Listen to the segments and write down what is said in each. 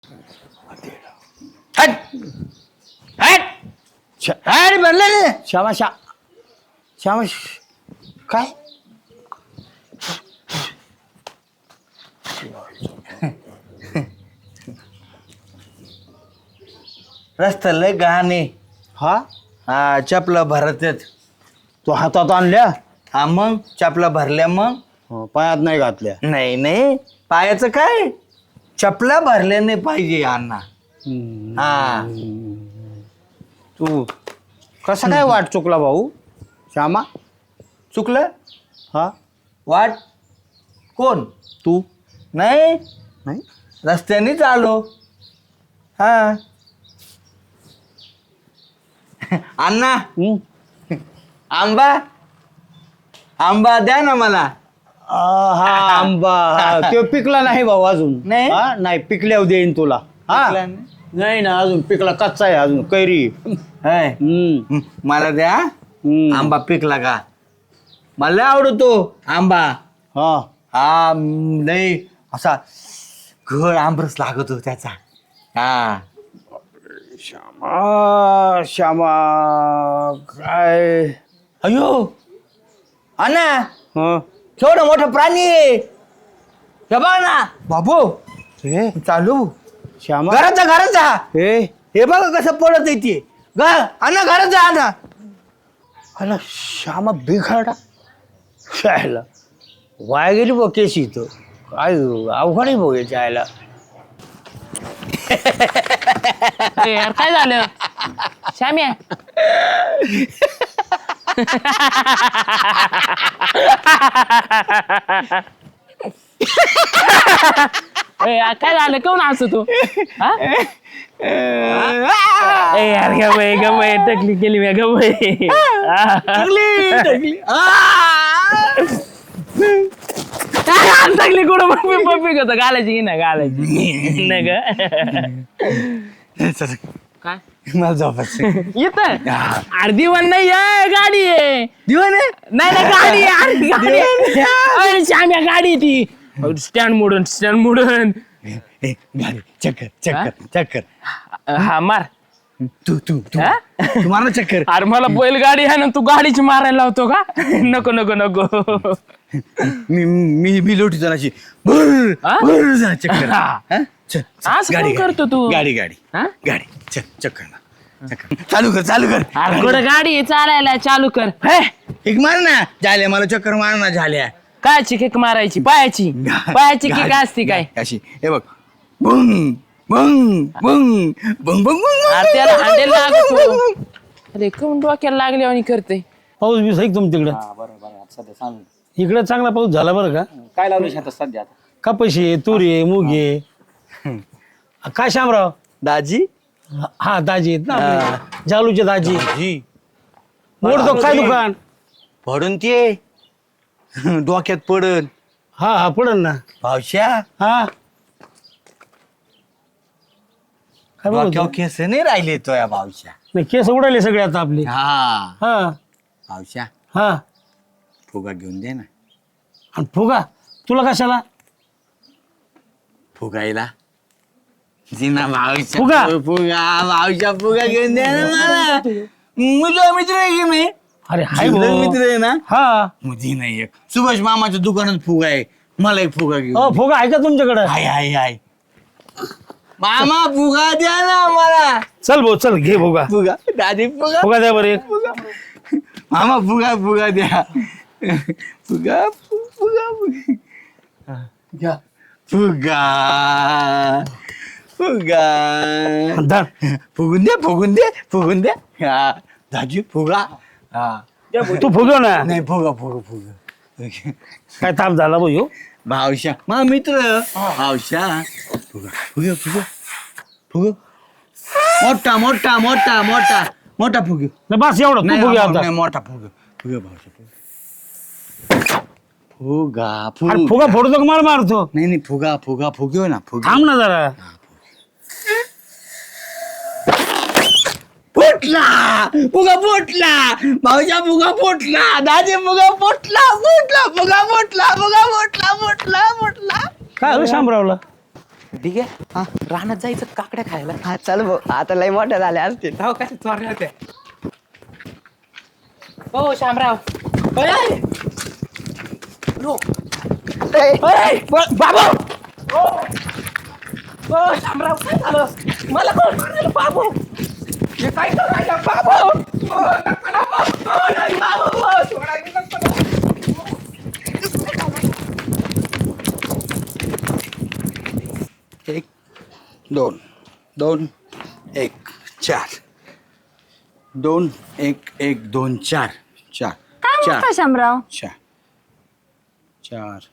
हट हट हट म्हणलं श्यामा श्यामा काय रस्ता लय गहाणे. हा हा चपला भरत आहेत. तू हातात आणल्या हा मग चपला भरल्या मग पायात नाही घातल्या. नाही नाही पायाचं काय चपला भरल्या नाही पाहिजे अण्णा. हा तू कसा काय वाट चुकला भाऊ श्यामा? चुकलं हा वाट कोण तू नाही नाही रस्त्यानेच आलो. हा अण्णा आंबा आंबा द्या ना मला. हा आंबा तो पिकला नाही भाऊ अजून. नाही? हा, नाही पिकल्यावर देईन तुला. हा पिकला नाही? नाही ना अजून पिकला कच्चा आहे अजून कैरी. हाय. मला द्या आंबा पिकला का मला लय आवडतो आंबा. हा हा लय असा घड आंबरस लागतो त्याचा. हा श्यामा श्यामा काय अयो अण्णा हा केवढा मोठा प्राणी आहे. हे बघ ना बाबू हे चालू श्यामा घरात जा. हे हे बघा कसं पडत येते अण्णा घरात जा अण्णा. अला श्यामा बिघाडा शायला वाया गेली बघ केशी तो काय अवघड आहे भाऊ याच्या आयला. अरे यार काय झालं श्याम्या? ए यार काय झालं कोण हसतो तू? हा? ए यार गमय टकली केली मी गमय. टकली कुठं पप्पी होतं घालायची की नाही घालायची नाही ग. काय मला झोपायचं. येत अरे दिवाण नाही आहे गाडी आहे. दिवाण आहे नाही नाही गाडी आहे अरे गाडी आहे. अरे श्याम्या गाडी आहे ती स्टँड मोडून गाडी चक्कर चक्कर चक्कर. हा मार तू तू तू हा? तू मार ना चक्कर. अरे मला बैलगाडी आहे ना तू गाडीची मारायला लावतो का? नको नको नको. मी लोटीतो ना अशी भर हा? भर जा चक्कर. हा. हा? चल, चल, असं गाडी, कोण करतो तू? गाडी गाडी हा? गाडी चल चक्कर ना चक्कर. चालू कर चालू कर. अरे कुठं गाडी आहे चालायला चालू कर. हे एक मार ना झाल्या मला चक्कर मार ना झाल्या. कायची किक मारायची पायाची किक असती काय? अशी हे बघ बुंग बुंग बुंग बुंग बुंग अरे त्याला हँडल लागतो. अरे कोण डोक्याला लागले आणि करते. पाऊस बी सही तुम तिकडं इकडं चांगला पाऊस झाला बरं का? काय लावलं शेतात सध्या आता? कपाशी आहे तुरी आहे मूग आहे. काय श्यामराव? दाजी हा दाजी आहेत ना आपले. जालूचे दाजी जी मोडतो काय दुकान? पडून ते डोक्यात पडन हा हा पडन ना. भावश्या हा काय बोलतो? डोक्यावर केस नाही राहिले तो या भावश्या. नाही केस उडाले सगळे आता आपले. हा हा भावश्या हा फुगा घेऊन दे ना. आणि फुगा तुला कशाला? फुगायला जिना भावश्या फुगा? फुगा भावश्या फुगा घेऊन दे ना मला. मुझा मित्र आहे की मी अरे हाय जीवलग भाऊ. मित्र आहे ना. हा मुझी नाही एक सुभाष मामाच्या दुकानात फुगा आहे. मला एक फुगा घेऊन अ फुगा आहे का तुमच्याकडे? हाय हाय हाय मामा फुगा द्या ना मला. चल भाऊ चल घे फुगा. फुगा दादी फुगा फुगा द्या बरं एक. मामा फुगा फुगा द्या. फुगा फुगा फुगा घ्या. फुगा फुगा धर. फुगून द्या फुगून द्या फुगून द्या. हा दाजी फुगा. हा तू फुगव ना. नाही फुगा फुगा फुगा. काय ताप झाला भाऊ ह्यो? भावशा मा मित्र भावशा फुगा फुगा फुगा फुगा मोठा मोठा मोठा मोठा मोठा फुग. नाही बस एवढं तू फुगे आता. नाही मोठा फुग फुगा भावशा फुगा अरे फुगा फोडतो का मार मारतो? नाही नाही फुगा फुगा फुग्यो ना फुगा. थांब ना जरा. फुटला फुगा फुटला भाऊच्या फुगा फुटला दाजी फुगा फुटला फुटला फुगा फुटला फुगा फुटला फुटला फुटला. काय झालं शामरावला? ठीक आहे रानात जायचं काकड्या खायला. हा चल भाऊ आता लय मोठ्या झाल्या असतील. हो काय चोरल्या होत्या. हो शामराव. बाबा हो शामराव काय झालं मला कोण मारलं बाबू हे काय करायला बाबू एक दोन दोन एक चार 2 1 1 2 4 4 काय म्हणता शामराव? 4 4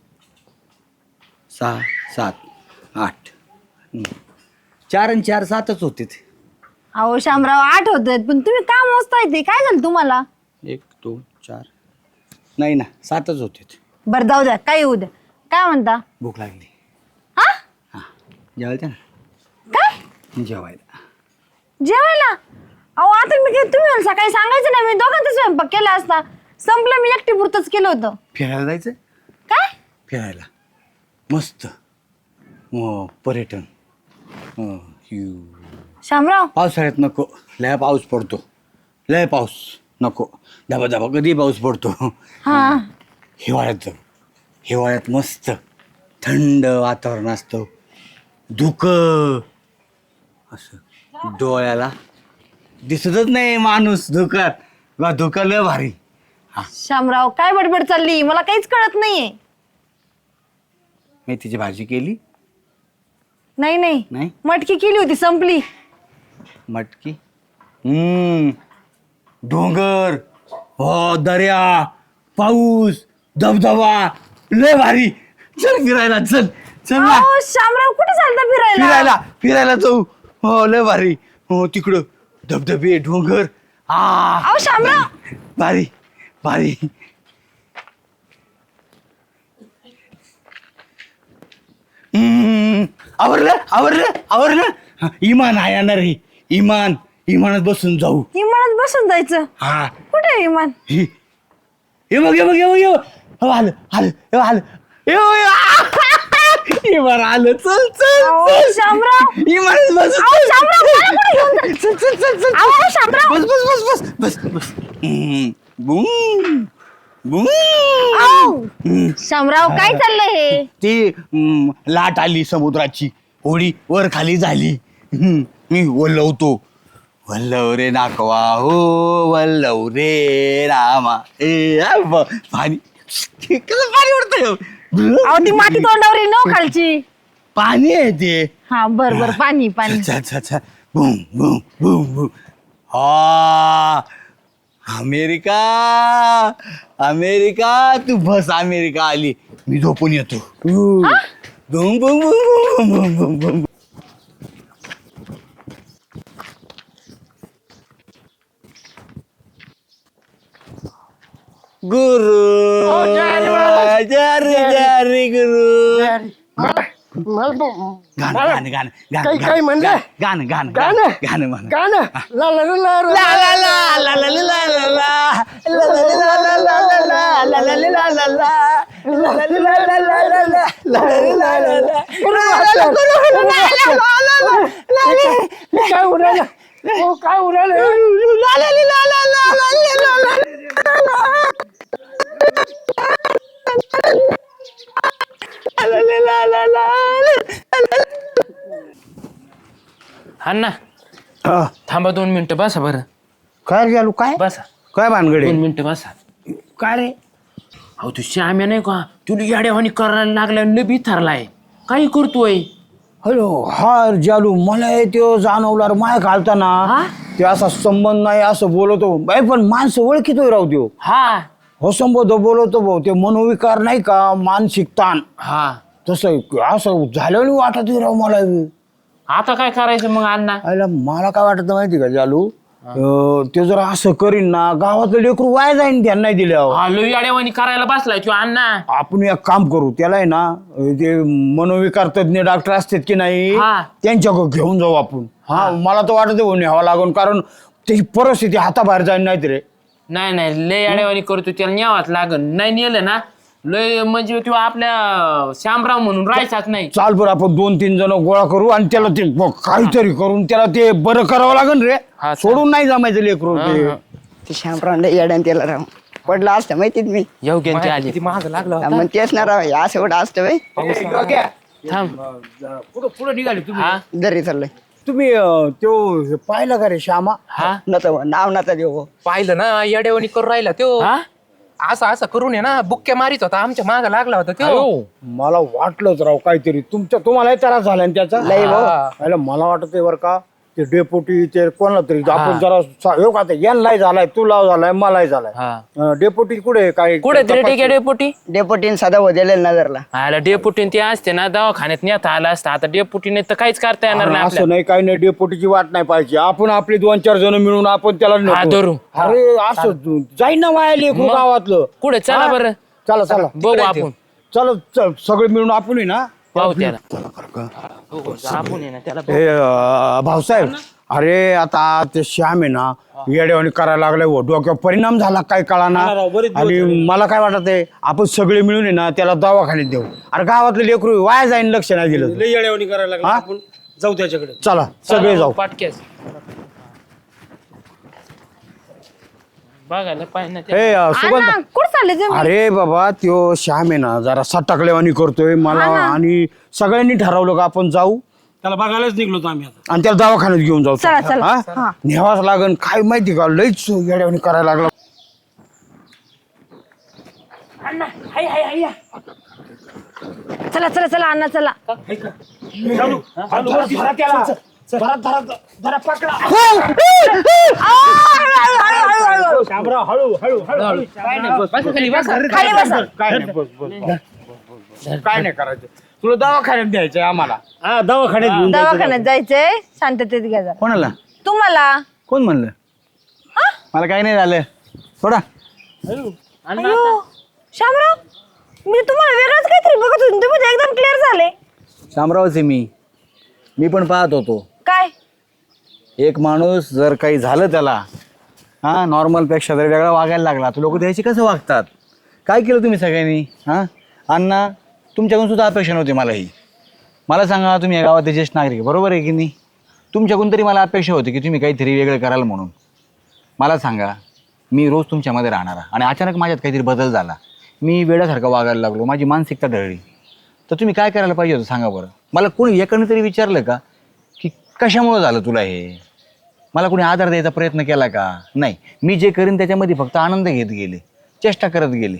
6 7 8 4 आणि 4 7च होते ते. अहो शामराव 8 होत पण तुम्ही का मोजताय ते काय झालं तुम्हाला? 1 2 4 नाही ना 7च होते ते. बरं जाऊ द्या काय येऊ द्या. काय म्हणता? भूक लागली. हा हां जेवायचं ना काय जेवायला. जेवायला? अहो आता मी काय तुम्ही मला सकाळी सांगायचं ना मी दोघांचा स्वयंपाक केला असता. संपलं मी एकटी पुरतच केलं होतं. फिरायला जायचं काय? फिरायला मस्त पर्यटन. शामराव पावसाळ्यात नको लय पाऊस पडतो लय पाऊस नको धबा धबा कधी पाऊस पडतो. हा हिवाळ्यात जाऊ हिवाळ्यात मस्त थंड वातावरण असतं धुकं असं डोळ्याला दिसतच नाही माणूस धुक्यात धुकं लय भारी. शामराव काय बडबड चालली मला काहीच कळत नाहीये. मेथीची भाजी केली नाही नाही नाही मटकी केली होती संपली. मटकी डोंगर हो दर्या पाऊस धबधबा लय भारी. चल फिरायला चल चल ना अहो शामराव कुठे चालता फिरायला? फिरायला फिरायला जाऊ हो लय भारी हो तिकडं धबधबे डोंगर अहो शामराव भारी भारी. आवरलं आवरलं आवरलं. इमान आहे येणार रे इमानात बसून जाऊ. विमानात बसून जायचं? हा कुठे विमान? हे बघ हे बघ हे बघ हे बघ. हो आलं आलं हे आलं इमान आलं चल चल अहो चल. शामराव इमानात बस अहो शामराव मला कुठे घेऊन जा- चल चल चल चल अहो शामराव बस बस बस बस बस बस बूम बूम. अहो शामराव काय चाललंय हे? ती लाट आली समुद्राची होडी वर खाली झाली. मी वल्लवतो वल्लव रे नाकवा हो वल्लव रे रामा ए पाणी कसं पाणी उडतंय. अहो ती माती तोंडावर येईल ना खालची. पाणी आहे ते. हा बर बर पाणी पाणी. अच्छा अच्छा अच्छा बूम बूम बूम बूम. हा अमेरिका अमेरिका तू बस अमेरिका आली मी झोपून येतो. Boom boom boom boom boom boom boom. गुरु जरी गुरु गाणं गाणं गाणं काय म्हणलं? गाणं गाणं गाणं? गाणं म्हण. गाणं ला ला ला ला ला. ला ला ला ला ला ला ला ला ला. ला ला ला ला ला ला ला. ला ला ला ला ला ला. ला ला ला ला ला ला ला ला. ला ला ला ला ला. काय उडालं? ओ काय उडालं? ला ला ला ला ला ला ला ला. अण्णा थांबा 2 मिनिटं बसा बरं. काय झालं काय बसा काय भानगडे 2 मिनिटं बसा. काय रे? अहो तू श्याम्या नाही का तुला याड्यावानी करायला लागलाय लबी थरलाय काय करतोय. हॅलो हा जालू मला तो जाणवला माय घालताना हा? ते असा संबंध नाही असं बोलतो बाई पण माणसं ओळखीतोय राहू देऊ हा हो संबोध बोलवतो भाऊ ते मनोविकार नाही का मानसिक ताण हा तसं असं झालं वाटत राव मला आता काय करायचं मग अण्णा. आयला मला काय वाटत माहिती का जालू ते जर असं करीन ना गावातलं लेकरू वाया जाईन त्यांना नाही दिल्यावर. हा लई याड्यावानी करायला बसलाय तू अण्णा. आपण एक काम करू त्याला आहे ना ते मनोविकार तज्ञ डॉक्टर असतात की नाही हा. त्यांच्याकडे घेऊन जाऊ आपण. हा मला तर वाटत न्यावं लागून कारण त्याची परिस्थिती हाताबाहेर जाईन नाही रे. नाही नाही लय याड्यावानी करतो त्याला न्यावाच लागन नाही नेलं ना लय म्हणजे तो आपल्या श्यामराव म्हणून राहायचाच नाही. चाल बरं आपण 2-3 जण गोळा करू आणि त्याला ते काहीतरी करून त्याला ते बरं करावं लागेल रे. हा, सोडून नाही जमायचं लेकरू ते. ते श्यामराव येड्यान त्याला राव पडलं असतं माहितीत मी योग्य आली किती महाग लागला मग तेच ना राव असं एवढं असतं बाई थांब. पुढं निघाले तुम्ही हा दरी चाललंय तुम्ही तो हे पाहिलं का रे श्यामा? हा नाव नका देऊ पाहिलं ना येडेवणी करून राहिला तो हा असं करून आहे ना बुक्के मारित होता आमच्या माग लागला होता तो अयो. मला वाटलंच राव काहीतरी तुम्हालाही त्रास झाला ना त्याचा. लय भाऊ. अरे मला वाटतंय बरं का ते डेपुटी ते कोणाला तरी आपण जरा हो का यांनाही झालाय तुला झालाय मलाही झालाय. हा डेपुटी कुठे काय कुठे तरी ठीक आहे डेपुटी. डेपोटीन सदा दिलेलं नजरला आला डेपुटीन ते असते ना दवाखान्यात नेता आला असता. आता डेपुटीने तर काहीच करता येणार नाही असं आपल्याला. नाही काही नाही डेपुटीची वाट नाही पाहिजे आपण आपली 2-4 जण मिळून आपण त्याला हा, नेतो. धरू. अरे असं जाईन ना वाया लेकरू गावातलं. कुठे चला हा? बरं चला चला बघू आपण. चल सगळे मिळून आपण आहे ना. पाहू त्याला. बघू, आपण आहे ना त्याला बघू. हे भाऊसाहेब अरे आता ते श्याम आहे ना येड्यावानी करायला लागलाय हो. डोक्यावर परिणाम झाला काय कळा ना. आणि मला काय वाटत आहे आपण सगळे मिळून आहे ना त्याला दवाखान्यात देऊ. अरे गावातलं लेकरू वाया जाईन लक्ष नाही दिलं तर. येड्यावानी करायला लागला हा? आपण जाऊ त्याच्याकडे. चला सगळे जाऊ. पाटक्यास बघायला पाहिजे ना त्याला. हे सुगंध अण्णा कुठं चालले तुम्ही? अरे बाबा त्यो श्याम आहे ना जरा सटकलेवानी करतोय मला. आणि सगळ्यांनी ठरवलं का आपण जाऊ त्याला बघायलाच निघलो होतो आम्ही आता. आणि त्याला दवाखान्यात घेऊन जाऊ. चला, चला. हा? हा. न्यावाच लागन काय माहिती का लईच येड्यावानी करायला लागला. चला चला चला अण्णा चला. बसा खाली, बसा. खाली बसा. काय नाही करायचं तुला दवाखान्यात द्यायचंय आम्हाला. हा दवाखान्यात घेऊन दवाखान्यात जायचंय शांततेत घ्या जरा. कोणाला तुम्हाला कोण म्हणलं मला काही नाही झालं थोडा. अयो शामराव मी तुम्हाला वेगळंच काहीतरी बघत होते तुम्ही तर एकदम क्लिअर झाले. शामरावच आहे मी पण पाहत होतो. काय एक माणूस जर काही झालं त्याला हां नॉर्मलपेक्षा जर वेगळा वागायला लागला तर लोक त्याशी कसं वागतात. काय केलं तुम्ही सगळ्यांनी हां अण्णा तुमच्याकडून सुद्धा अपेक्षा नव्हती मलाही. मला सांगा तुम्ही या गावातले ज्येष्ठ नागरिक बरोबर आहे की नाही. तुमच्याकडून तरी मला अपेक्षा होती की तुम्ही काहीतरी वेगळं कराल म्हणून. मला सांगा मी रोज तुमच्यामध्ये राहणारा आणि अचानक माझ्यात काहीतरी बदल झाला. मी वेड्यासारखं वागायला लागलो माझी मानसिकता ढळली तर तुम्ही काय करायला पाहिजे होतं सांगा बरं. मला कोणी एकाने तरी विचारलं का की कशामुळं झालं तुला हे. मला कोणी आधार द्यायचा प्रयत्न केला का नाही. मी जे करीन त्याच्यामध्ये फक्त आनंद घेत गेले चेष्टा करत गेले.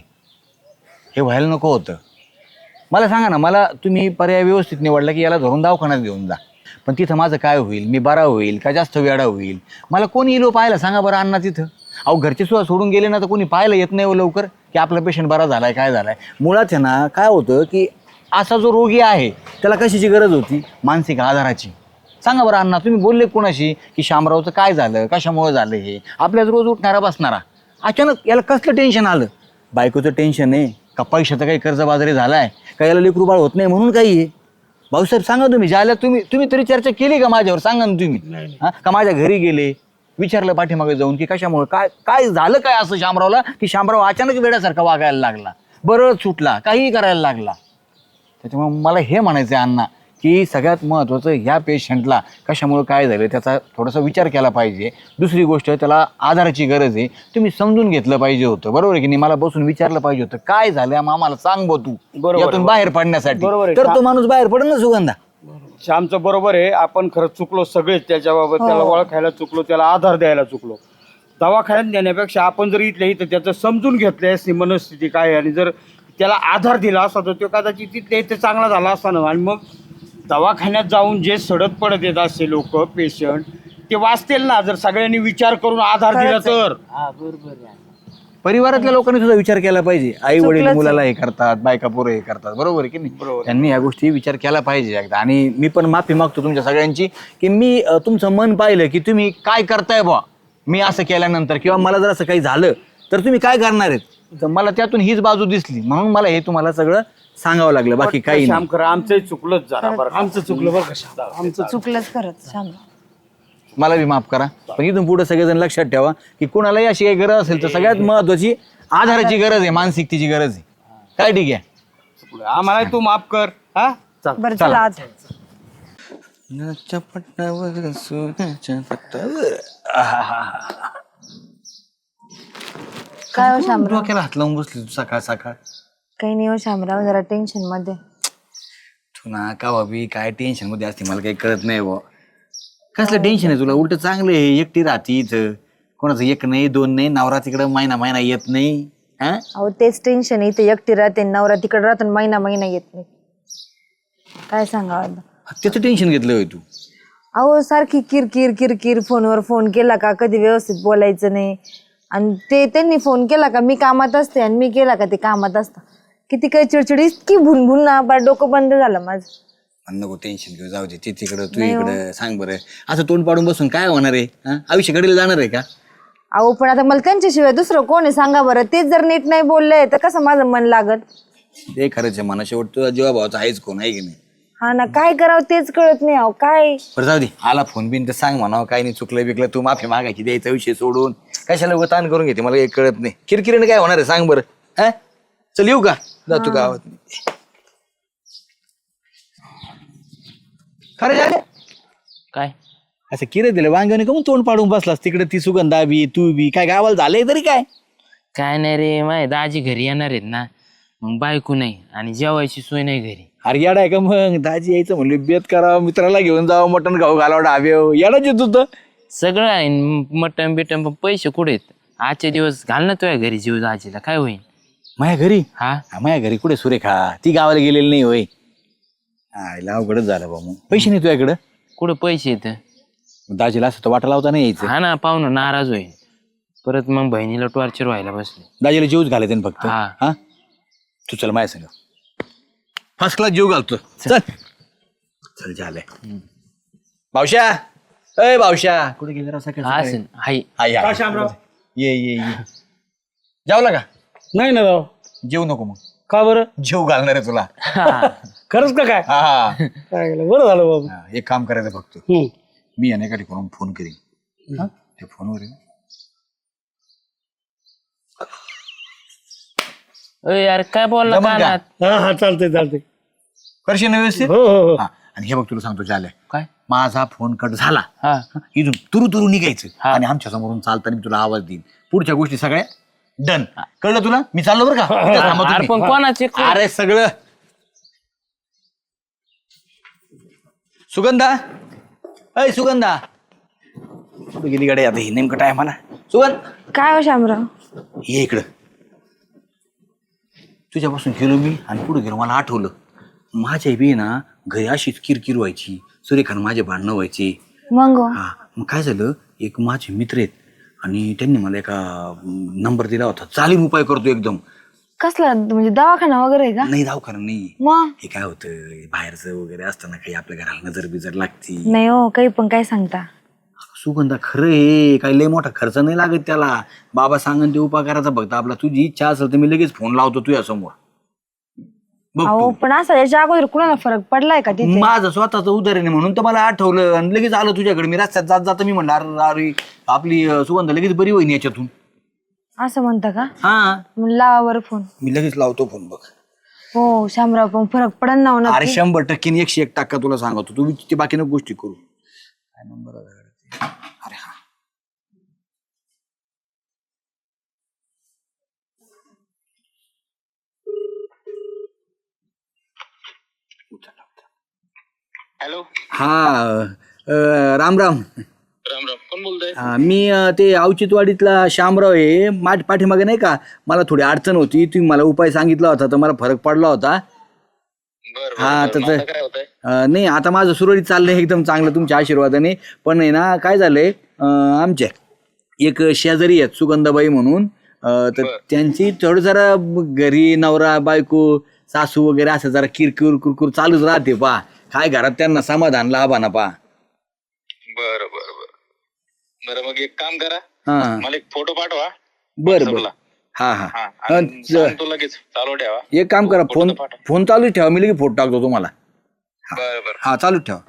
हे व्हायला नको होतं. मला सांगा ना मला तुम्ही पर्याय व्यवस्थित निवडला की याला धरून दवाखान्यात घेऊन जा. पण तिथं माझं काय होईल मी बरा होईल का जास्त वेडा होईल. मला कोणी येलो पाहायला सांगा बरं अण्णा तिथं. अहो घरचे सुद्धा सोडून गेले ना तर कोणी पाहायला येत नाही हो लवकर की आपला पेशंट बरा झालाय काय झालाय. मुळात आहे ना काय होतं की असा जो रोगी आहे त्याला कशाची गरज होती मानसिक आधाराची. सांगा बरं अण्णा तुम्ही बोलले कोणाशी की शामरावचं काय झालं कशामुळं झालं हे. आपल्याच रोज उठणारा बसणारा अचानक याला कसलं टेन्शन आलं. बायकोचं टेन्शन आहे का पैशाचं काही कर्जबाजारी झालाय का याला लेकरू बाळ होत नाही म्हणून काही आहे. भाऊसाहेब सांगा तुम्ही ज्याला तुम्ही तरी चर्चा केली का माझ्यावर सांगा ना तुम्ही. हां का माझ्या घरी गेले विचारलं पाठीमागे जाऊन की कशामुळे काय झालं काय असं शामरावला की शामराव अचानक वेड्यासारखा वागायला लागला बरं सुटला काहीही करायला लागला. त्याच्यामुळे मला हे म्हणायचं आहे अण्णा की सगळ्यात महत्त्वाचं ह्या पेशंटला कशामुळे काय झालं त्याचा थोडासा विचार केला पाहिजे. दुसरी गोष्ट त्याला आधाराची गरज आहे तुम्ही समजून घेतलं पाहिजे होतं बरोबर आहे की नाही. मला बसून विचारलं पाहिजे होतं काय झालं आम्हाला सांग बो तू यातून बाहेर पडण्यासाठी तर तो माणूस बाहेर पडेल ना सुगंधा. श्यामचं बरोबर आहे आपण खरंच चुकलो सगळेच त्याच्याबाबत. त्याला ओळखायला चुकलो त्याला आधार द्यायला चुकलो. दवाखान्यात देण्यापेक्षा आपण जर इथल्या इथं त्याचं समजून घेतलं असती मनस्थिती काय आणि जर त्याला आधार दिला असता तर तो कदाचित तिथल्या इथे चांगला झाला असता ना. आणि मग दवाखान्यात जाऊन जे सडत पडत येत असे लोक पेशंट ते वाचतील ना जर सगळ्यांनी विचार करून आधार दिला तर. परिवारातल्या लोकांनी सुद्धा विचार केला पाहिजे. आई वडील मुलाला हे करतात बायका पोरं हे करतात बरोबर आहे की नाही. त्यांनी या गोष्टी विचार केला पाहिजे एकदा. आणि मी पण माफी मागतो तुमच्या सगळ्यांची की मी तुमचं मन पाहिलं की तुम्ही काय करताय बा. मी असं केल्यानंतर किंवा मला जर असं काही झालं तर तुम्ही काय करणार आहेत. तर मला त्यातून हीच बाजू दिसली म्हणून मला हे तुम्हाला सगळं सांगावं लागलं बाकी काही श्याम नाही. खरं आमचंही चुकलंच जरा बरं. आमचं चुकलं बरं का. आमचं चुकलंच खरंच शामराव. मला बी माफ करा पण इथून पुढे सगळेजण लक्षात ठेवा की कोणालाही अशी काही गरज असेल तर सगळ्यात महत्वाची आधाराची गरज आहे मानसिकतेची गरज आहे. काय ठीक आहे. आम्हाला तू माफ कर. हा चल. बरं चला आज काय हो शामराव? डोक्याला हात लावून बसली तू सकाळ सकाळ. काही नाही हो शामराव, जरा टेन्शन मध्ये. तू ना का बाबी काय टेन्शन मध्ये असते मला काही कळत नाही बुवा. कसलं टेन्शन आहे तुला? उलट चांगलं आहे, एकटी राहते इथं, कोणाचं एक नाही दोन नाही, नवरा तिकडं महिना महिना येत नाही. हा अहो तेच टेन्शन, इथे एकटी राहते, नवरा तिकडे राहतो आणि महिना महिना येत नाही. काय सांगावं आता. त्याचं टेन्शन घेतलं होय तू? अहो सारखी किरकिर किरकिर, फोनवर फोन केला का कधी व्यवस्थित बोलायचं नाही, आणि ते त्यांनी फोन केला का मी कामात असते आणि मी केला का ते कामात असतं. किती काही चिडचिड, इतकी भुनभुन ना, बार डोकं बंद झालं माझं. नको टेन्शन घेऊ, जाऊ दे. ते तिकडं तू इकडं. सांग बरं, असं तोंड पाडून बसून काय होणार आहे? हा आयुष्य घडीला जाणार आहे का? अहो पण आता मला त्यांच्याशिवाय दुसरं कोण आहे सांगा बरं. तेच जर नीट नाही बोलले तर कसं माझं मन लागत. ते खरंच आहे, मना शेवट तुझा जीवा भावाचा आहेच कोण, आहे की नाही? हा ना, काय करावं तेच कळत नाही. अहो काय बरं जाऊ दे, आला फोन बिन तर सांग म्हणावं, काय नाही चुकलं बिकलं, तू माफी मागायची, द्यायचा विषय सोडून कशाला उगा ताण करून घेते, मला काही कळत नाही. किरकिरीने काय होणार आहे सांग बरं. हा चल येऊ का? जातो गावात. खरं झालं काय असं किरे दिलं वांग्याने कमून तोंड पाडून बसलास तिकडे? ती सुगंधा बी तू बी काय गावाला झालंय तरी काय? काय नाही रे, माझे दाजी घरी येणार आहेत ना, मग बायको नाही आणि जेवायची सोय नाही घरी. अरे येडा आहे का मग? दाजी यायचं म्हणले बेत करावं, मित्राला घेऊन जावं, मटण खाऊ घालावं डाव्याव, येडाच येत होतं. सगळं आहे, मटण बिटन, पण पैसे कुठे आहेत? आजचे दिवस घाल ना तुझ्या घरी जीव दाजीला, काय होईल? माझ्या घरी? हा माझ्या घरी कुठे सुरेखा? ती गावाला गेलेली नाही होय. आईला अवघडच झालं बा. मग पैसे नाही तुझ्याकडं? कुठं पैसे येत? दाजीला असं तर वाटा लावता नाही यायचं. हा ना, पाहुणं नाराज होईल परत, मग बहिणीला टॉर्चर व्हायला बसले. दाजीला जीवच घालायचे ना फक्त. हा. हा तू चल माझ्या संग, फर्स्ट क्लास जीव घालतो. चल चल झालंय. भावश्या, अय भावश्या, कुठे गेले राव सकाळी सकाळी? असेल हाय. हाय, हाय. का शामराव? ये ये ये. जेवला का? नाही ना राव. जेव नको मग, का बरं? जेव घालणार आहे तुला. खरंच का काय? हा हा. काय केलं? बरं झालं बाबा. हा, एक काम करायचं फक्त, मी अनेका ठिकाणून फोन करीन. त्या फोनवर आहे ना, अय यार काय बोलला जमलं का? कानात? हा हा चालतंय चालतंय. करशील ना व्यवस्थित? हो हो हो. हा, आणि हे बघ तुला सांगतो झालंय, काय? माझा फोन कट झाला, हा इथून तुरु तुरु निघायचं हा. आणि आमच्या समोरून चालताना मी तुला आवाज देईन. पुढच्या गोष्टी सगळ्या डन. कळलं तुला? मी चाललो बरं का? इथं थांबा अरे तुम्ही. पण कोणाचे? अरे सगळं सुगंधा, अय सुगंधा, कुठे गेली गाडी आता? ही नेमकं टायमाला. सुगंध काय हो शामराव? ये इकडं. तुझ्यापासून गेलो मी आणि पुढे गेलो, मला आठवलं माझ्या बी ना घरी अशीच किरकिर व्हायची, सूर्यखान माझे भांडणं व्हायचे. मग हा मग काय झालं, एक माझे मित्र आहेत आणि त्यांनी मला एका नंबर दिला होता, चालीम उपाय करतो एकदम. कसला म्हणजे दवाखाना वगैरे आहे का? नाही दवाखाना नाही, मग हे काय होतं बाहेरचं वगैरे असताना काही आपल्या घराला नजर बिजर लागती. नाही हो, काही पण काय सांगता. सुगंधा खरं आहे, काही लय मोठा खर्च नाही लागत त्याला. बाबा सांगन ते उपाय करायचा फक्त आपला. तुझी इच्छा असेल तर मी लगेच फोन लावतो तुझ्या समोर. बघ अहो तू. पण असं याच्या अगोदर कुणाला फरक पडलाय का तिथे? माझं स्वतःचं उदाहरण आहे म्हणून तर मला आठवलं आणि लगेच आलो तुझ्याकडे. मी रस्त्यात जात जात मी म्हणलं अरे अरे आपली सुगंधा लगेच बरी होईन याच्यातून. असं म्हणता का? हा मग लावा बरं फोन. मी लगेच लावतो फोन. बघ हो शामराव, पण फरक पडन ना हो अरे नक्की. 100% 101% तुला सांगतो. तू ते बाकी नको गोष्टी करू. काय नंबर? अरे हा हॅलो. हा राम राम. राम राम. कोण बोलतोय? हा, मी ते औचित्यवाडीतला शामराव आहे. माझ्या पाठीमागे नाही का मला थोडी अडचण होती, तुम्ही मला उपाय सांगितला होता तर मला फरक पडला होता. बरं हा बरं, तर बरं. आता काय होतंय? नाही आता माझं सुरळीत चाललंय एकदम चांगलं तुमच्या आशीर्वादाने. पण आहे ना काय झालंय, आमच्या एक शेजारी आहेत सुगंधाबाई म्हणून, तर त्यांची थोडं जरा घरी नवरा बायको सासू वगैरे असं जरा किरकिर कुरकुर चालूच राहते पा. काय घरात त्यांना समाधान लाभाना पा. बरं बरं बरं बरं. मग एक काम करा, हा मला एक फोटो पाठवा. बरं बरं. WhatsApp-ला. हा हा, हा आणि सांगतो लगेच चालू ठेवा. एक काम करा, फोन फोटो पाठवा. फोन चालू ठेवा, मी लगेच फोटो टाकतो तुम्हाला. बरं बरं. हा चालू ठेवा.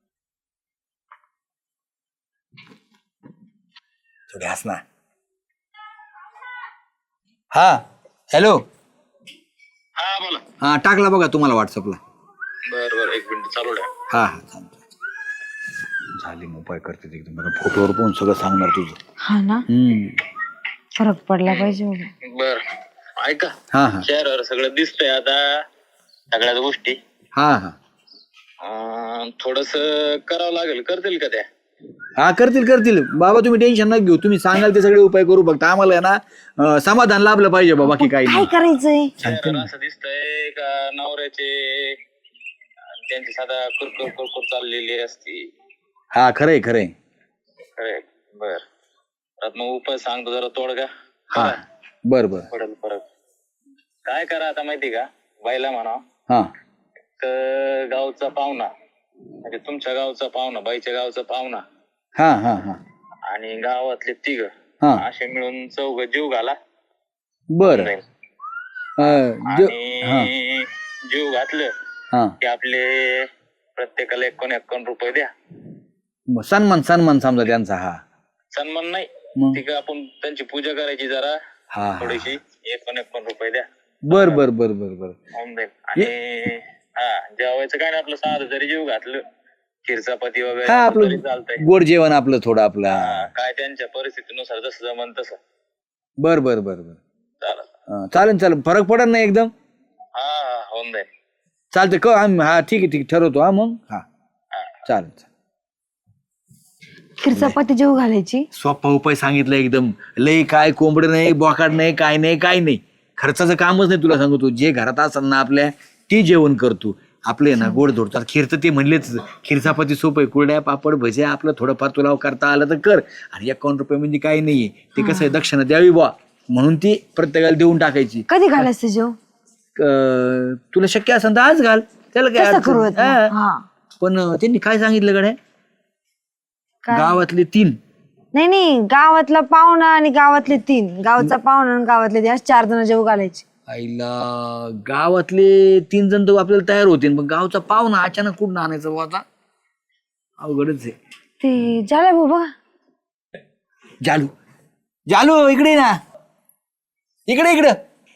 थोडे हस ना. हा हॅलो. हा बोला. हा टाकला बघा तुम्हाला व्हॉट्सअपला. बरं एक मिनिट चालू द्या. हा हा चालतं. झाले मग उपाय करते एकदम मला फोटोवर पाहून सगळं सांगणार तुझं. हा ना, फरक पडला पाहिजे बाबा. बर ऐका, हा हा शहरावर सगळं दिसतंय आता सगळ्याच गोष्टी. हा हा थोडस करावं लागेल, करतील का त्या? हा करतील बाबा, तुम्ही टेन्शन नका घेऊ. तुम्ही सांगाल ते सगळे उपाय करू. फक्त आम्हाला आहे ना समाधान लाभलं पाहिजे बाबा, की काही काय नाही. करायचंय? शहरावर असं दिसतंय का नवऱ्याचे त्यांची साधा कुरकुर चाललेली असती. हा खरंय. खरे बर. आता मग उपाय सांगतो जरा तोडगा. हा बर पडेल परत. काय करा आता माहिती का, बाईला म्हणा हा गावचा पाहुणा, म्हणजे तुमच्या गावचा पाहुणा, बाईच्या गावचा पाहुणा हा हा हा आणि गावातले 3 हा असे मिळून 4 जीव घाला. बर आणि जीव घातलं हा की आपले प्रत्येकाला 51 रुपये द्या. सन्मान समजा त्यांचा. हा सन्मान नाही, मग? ठीक आहे, आपण त्यांची पूजा करायची जरा हा थोडीशी. 51 रुपये द्या. बर होऊन जाईल. आणि जेवायचं काय नाही, आपलं साधं जरी जीव घातलं, खीर चपाती हा वगैरे आपलं तरी चालतंय. गोड जेवण आपलं थोडं आपलं. काय त्यांच्या परिस्थितीनुसार जसं जमन तसं. बर चालेल फरक पडत नाही एकदम. होऊन जाईल. चालतंय आम्ही. हा ठीक आहे ठरवतो. हा मग हा चालेल. खीर चपाती जेव घालायची. सोपा उपाय सांगितलं एकदम. लई काय कोंबड नाही, बोकाड नाही, काय नाही. खर्चाचं कामच नाही. तुला सांगतो, जे घरात असेल ना आपल्या ते जेवण करतो. आपले ना गोड धोडतात. खीर तर ते म्हणलेच, खीर चपाती सोपं आहे. कुरड्या पापड भज्या आपलं थोडंफार तुला करता आलं तर कर. आणि 51 रुपये म्हणजे काही नाहीये. ते कसं आहे, दक्षिणा द्यावी बुवा म्हणून ती प्रत्येकाला देऊन टाकायची. कधी घालायचं जेव? तुला शक्य असेल तर आज घाल, त्याला काय तसं अडचण करू नाही. आता. हा. हा. पण त्यांनी काय सांगितलं गड्या, काय? गावातले 3. नाही, गावातला पाहुणा आणि गावातले 3, गावचा पाहुणा आणि गावातले 3 4 जण जेव घालायचे. आईला गावातले 3 जण तर आपल्याला तयार होते, पण गावचा पाहुणा अचानक कुठून आणायचं बुवा आता? अवघडच आहे. ते झालं भाऊ बघा. जालू इकडे ना, इकडे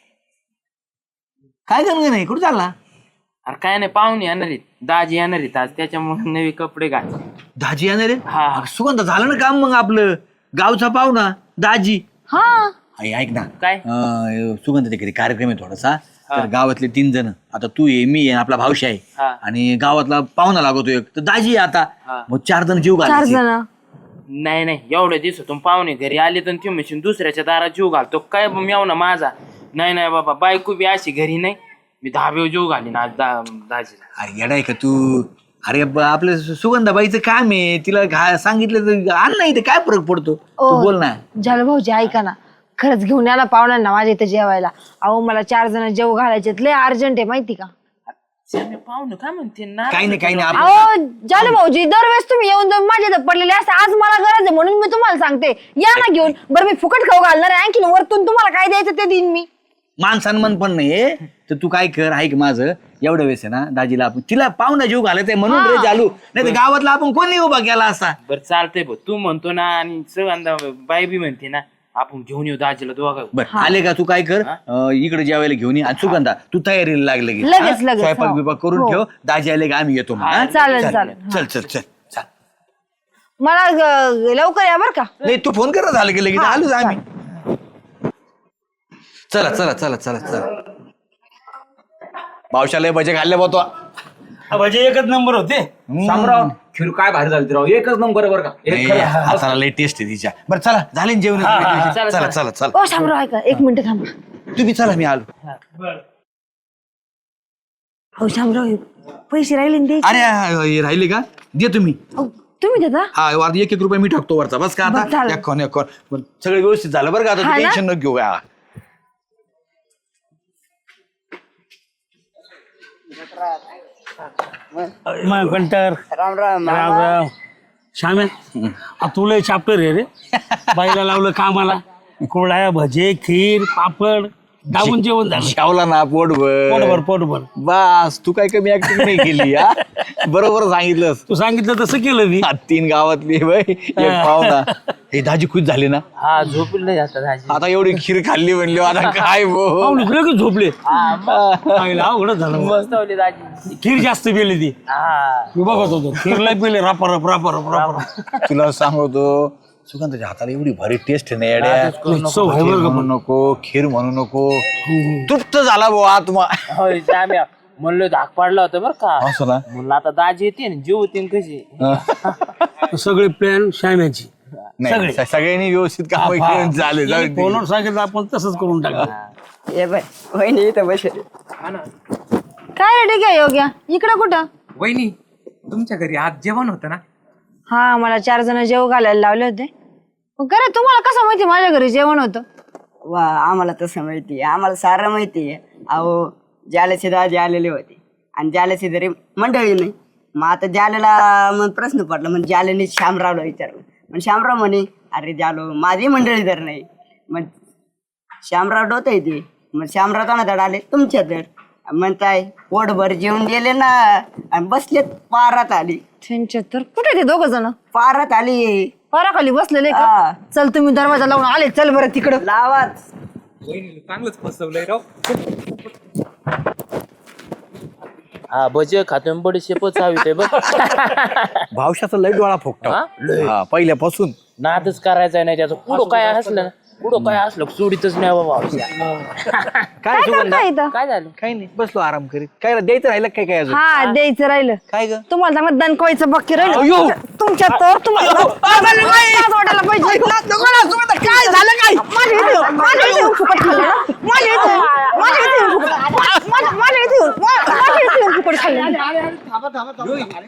काय करणार नाही, कुठं चालला? अरे काय नाही, पाहुणे येणार आहेत, दाजी येणार आहेत आज, त्याच्यामुळे नवी कपडे घाल. दाजी येणार आहे? हा. अगं, सुगंध झालं ना काम मग आपलं. गावचा पाहुणा दाजी. हा, ऐक ना काय? सुगंध तिकडे कार्यक्रम आहे थोडासा. तर गावातले 3 जण, आता तू ये, मी आहे, आपला भावशी आहे, हा. आणि गावातला पाहुणा लागतो एक, तर दाजी आहे आता. हा. मग 4 जण जीव 4 घालायचे. जण. नाही एवढ्या दिवसातून पाहुणे घरी आले तर ती मशीन दुसऱ्याच्या दारात जीव घालतो काय मेव ना माझा. नाही बाबा, बायको बी अशी घरी नाही, मी 10 जीव घालीन आज दाजीला. अरे येडाय का तू? अरे आपल्या सुगंधाबाईचं काम आहे, तिला सांगितलं तर आण नाही, काय फरक पडतो? तू बोल ना. झालं भाऊजी, ऐका ना, खरंच घेऊन या ना पाहुण्यांना माझ्या इथे जेवायला. अहो मला 4 जण जेव घालायचे, लय अर्जंट आहे माहिती का? पाहुणे काय म्हणते ना, काही नाही अहो झालं भाऊजी, दरवेळेस तुम्ही येऊन जाऊन माझ्या इथं पडलेले असते, आज मला गरज आहे म्हणून मी तुम्हाला सांगते, या ना घेऊन. बरं मी फुकट खाऊ घालणार आहे, आणखी वरतून तुम्हाला काय द्यायचं ते देईन मी. मान सन्मान पण नाही, तर तू काय कर, ऐक माझं, एवढं वेळेस आहे ना दाजीला आपण तिला पाहुणा जीव घालायचंय म्हणून रे चालू, नाही तर गावातला आपण कोणी उभा केला असता. बरं चालतंय भाऊ, तू म्हणतो ना आणि सगळ्यांदा बाई बी म्हणते ना, आपण घेऊन येऊ दाजीला दोघा. बरं आले का, तू काय कर, इकडे जेवायला घेऊन ये. आणि सुगंधा तू तयारीला लागले की लगेच, स्वयंपाक हो. बिपाक करून हो. ठेव, दाजी आले का आम्ही येतो मग, हा? चालेल. चल मला लवकर या बरं का. नाही तू फोन कर, झालं की लगेच आलोच आम्ही. चला पावसाला भजे खाल्ले बोतो. म्हणजे एकच नंबर होते. शामराव, खीर काय भारी झाली राव, एकच नंबर बरं का. हाताला लय टेस्ट आहे तिच्या. बरं चला, झाले ना जेवण? चला ओ शामराव, ऐका 1 मिनिट थांबा. तुम्ही चला, मी आलो. हो शामराव, पैसे राहिले ना द्यायचे. अरे राहिले का? दे तुम्ही. अहो, तुम्ही देता? हा, 1-1 रुपये मी टाकतो वरचा, बस का बरं, आता. चालेल. एक सगळं व्यवस्थित झालं बरं का, आता हा ना? टेन्शन न घेऊ. कंटर राम श्याम्या, तुला चॅप्टर आहे रे. बाईला लावलं कामाला, कोळ्या भजे खीर पापड दाबून जेवण झालं जेवला ना पोटभर पोटभर पोटभर. बस तू काय कमी ऍक्टिंग नाही केली हा बरोबर सांगितलंस. तू सांगितलं तसं केलं मी. 3 गावातली बाई एक पाहुणा हे दाजी खुश झाली ना. हा झोपलं नाही आता दाजी. आता एवढी खीर खाल्ली म्हणली आता काय पाहुणे लगेच झोपले. पाहिलं, अवघडच झालं मग. मस्त होली दाजी. खीर जास्त पिली ती. हा मी बघत होतो खीरला पिले रापर रापर रापर. तुला सांगतो सुगंधाच्या हाताला एवढी भारी टेस्ट नाही येड्या. चव आहे बरं का म्हणू नको खीर म्हणू नको तृप्त झाला भाऊ आत्मा. होय श्याम्या म्हणलं धाक पाडला होता बरं का. असं ना म्हणलं आता दाजी येते ना जीव होते कशी. सगळे प्लॅन श्याम्याची. नाही सगळ्यांनी व्यवस्थित काम केलं झाले जाऊ दे. फोनवर सांगितलं आपण तसंच करून टाकलं. ये बाय वहिनी इथं बसेल. काय रे ठीक आहे योग्या इकडं कुठं? वहिनी तुमच्या घरी आज जेवण होतं ना? हा मला 4 जण जेव घालायला लावले होते. मग खरं तुम्हाला कसं माहिती माझ्या घरी जेवण होतं? वा आम्हाला तसं माहिती आहे, आम्हाला सारं माहिती आहे. अहो जालेचे दाजी आलेले होते आणि जालेची तरी मंडळी नाही. मग आता जालेला मग प्रश्न पडला. मग जालेने श्यामरावला विचारलं. मग श्यामराव म्हणे अरे जालो माझी मंडळी तर नाही. मग श्यामराव डोत येते. मग श्यामराव कोणाकडे आले तुमच्या तर म्हणताय पोटभर जेवून गेले ना आणि बसलेत पारात आली. त्यांच्या तर कुठे ते 2 जण पारात आली पाराखाली बसलेले हा. का? चल तुम्ही दरवाजा लावून आले चल बरं तिकडं. लावाच वहिनी चांगलंच फसवलंय राव. हा भजे खातो बडी शेपच हवी बघ. भावशाचा लय डोळा फुकतो हा पहिल्यापासून. नादच करायचा नाही त्याचं. पुढं काय असलं ना पुढं काय असलं सोडीतच नाही बाबा. काय सुगंधा काय इथं? काय झालं? काही नाही बसलो आराम करीत. काय द्यायचं राहिलं काय काय अजून हा द्यायचं राहिलं. काय ग तुम्हाला चांगलं दणकवायचं बाकी राहिलं तुमच्या तर तुम्हाला लाज वाटायला पाहिजे. काय झालं काय? माझ्या इथे येऊन फुकट खाल्लं ना? माझ्या इथे येऊन फुकट खाल्लं.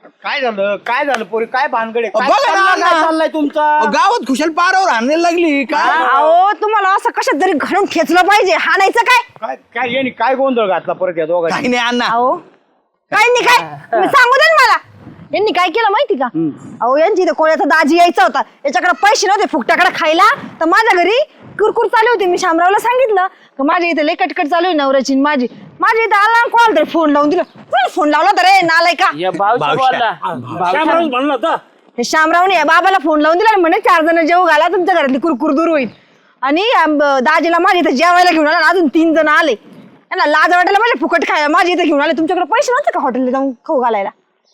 काय झालं पोरी काय भानगडे काय बघा ना, चाललंय? काय चाललंय तुमचा? गावात खुशाल पारावर आणायला लागली काय. अहो तुम्हाला असं कशात तरी घालून खेचलं पाहिजे. हाणायचं काय? काय काय यांनी काय गोंधळ घातला परत या दोघांनी? काही नाही अण्णा. अहो काय नाही काय तुम्ही सांगू दे ना मला. यांनी काय केलं माहिती का? अहो यांची इथे कोणाचा दाजी यायचा होता. याच्याकडे पैसे नव्हते फुकट्याकडे खायला. तर माझ्या घरी कुरकुर चालू होती. मी शामरावला सांगितलं की माझ्या इथे लय कटकट चालू आहे नवऱ्याची माझी. माझ्या इथे आला कोणाला तरी फोन लावून दिला. कोणी फोन लावला तर रे नालाय का? या भावशी बोलला. श्यामराव म्हणलं होतं हे शामरावने या बाबाला फोन लावून दिला आणि म्हणे 4 जण जेव घाला तुमच्या घरातली कुरकुर दूर होईल. आणि दाजीला माझ्या इथे जेवायला घेऊन आला. अजून 3 जण आले. यांना लाज वाटायला माझ्या फुकट खायला माझ्या इथे घेऊन आले. तुमच्याकडे पैसे नव्हते का हॉटेलला जाऊन खाऊ घालायला?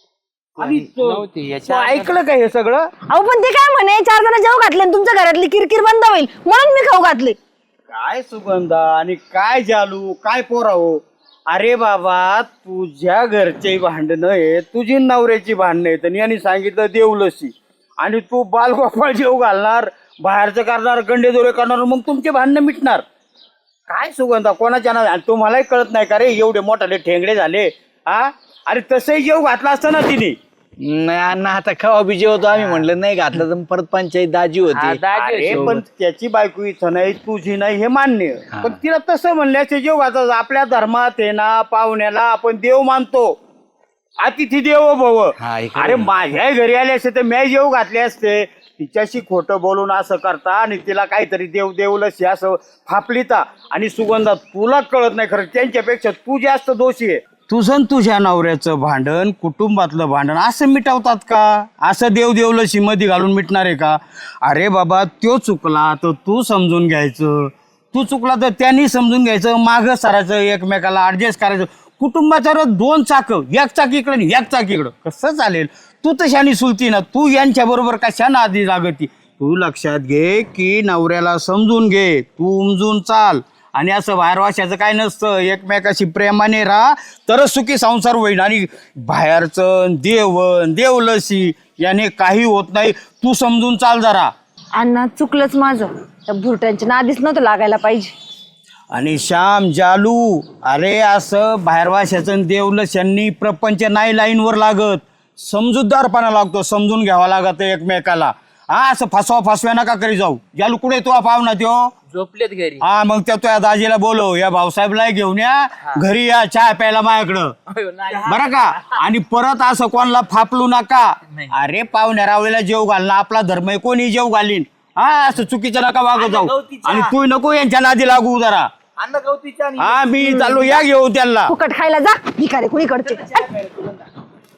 आणि नव्हती याच्या ऐकलं का हे सगळं? अहो पण ते काय म्हणे 4 जण जेव घातले आणि तुमच्या घरातली किरकिर बंद होईल म्हणून मी खाऊ घातले. काय सुगंधा आणि काय जालू काय पोराहो. अरे बाबा तुझ्या घरचे भांडणं आहे तुझी नवऱ्याची भांडणं आहेत आणि यांनी सांगितलं देवलसी आणि तू बालगोपाळ जेव घालणार बाहेरचं करणार गंडेदोरे करणार मग तुमचे भांडणं मिटणार. काय सुगंधा कोणाच्या ना तुम्हालाही कळत नाही का रे एवढे मोठाले ठेंगडे झाले हा. अरे तसंही जेव घातला असता ना तिने. नाही अण्णा आता खवा बिजे होतो आम्ही म्हणलं नाही घातलं तर परत पंचायत दाजी हा, होती. दाजी अरे होती. पण त्याची बायको इथं नाही तुझी नाही हे मान्य पण तिला तसं म्हणल्याचे जेव घातला. आपल्या धर्मात आहे ना पाहुण्याला आपण देव मानतो. अतिथी देवो भव. हा, इकडे अरे माझ्या घरी आले असते तर मी जेव घातले असते. तिच्याशी खोटं बोलून असं करता आणि तिला काहीतरी देव देवलशी असं फापलिता. आणि सुगंधा तुला कळत नाही खरं त्यांच्यापेक्षा तू जास्त दोषी आहे. तुझं तुझ्या नवऱ्याचं भांडण कुटुंबातलं भांडण असं मिटवतात का? असं देव देवलशी मध्ये घालून मिटणार आहे का? अरे बाबा तो चुकला तर तू समजून घ्यायचं. तू चुकला तर त्यांनी समजून घ्यायचं. मागं सरायचं एकमेकाला ऍडजस्ट करायचं. कुटुंबाच्या 2 चाकं एक चाक इकडं आणि एक चाक इकडं कसं चालेल? तू तशानी सुलती ना. तू यांच्या बरोबर कशानं आधी लागती? तू लक्षात घे की नवऱ्याला समजून घे. तू उमजून चाल आणि असं बाहेर वाशाचं काय नसतं. एकमेकाशी प्रेमाने राहा तरच सुखी संसार होईल. आणि बाहेरचं देवण देवलसी याने काही होत नाही. तू समजून चाल जरा. अण्णा चुकलंच माझं. त्या भुरट्यांच्या नादीच नव्हतं लागायला पाहिजे. आणि श्याम जालू अरे असं बाहेर वाशाचं देवलशांनी प्रपंच नाही लाईनवर लागत. समजूतदारपणा लागतो. समजून घ्यावा लागत एकमेकाला. हा असं फसव्या नका करी जाऊ. जालू कुठे तो पाहुणा त्यो झोपलेत घरी. हा मग त्या दाजीला बोलव या भाऊसाहेबला घेऊन या घरी या चहा प्यायला माझ्याकडं बरं का. आणि परत असं कोणाला फापलू नका. अरे पाहुण्या रावळीला जेव घालणं आपला धर्म आहे. कोणी जेव घालीन. हा असं चुकीचं नका वागत जाऊ. आणि तू नको यांच्या नादी लागू जरा. हा मी चाललो या घेऊ त्यांना फुकट खायला जा भिकारी कुणीकडचे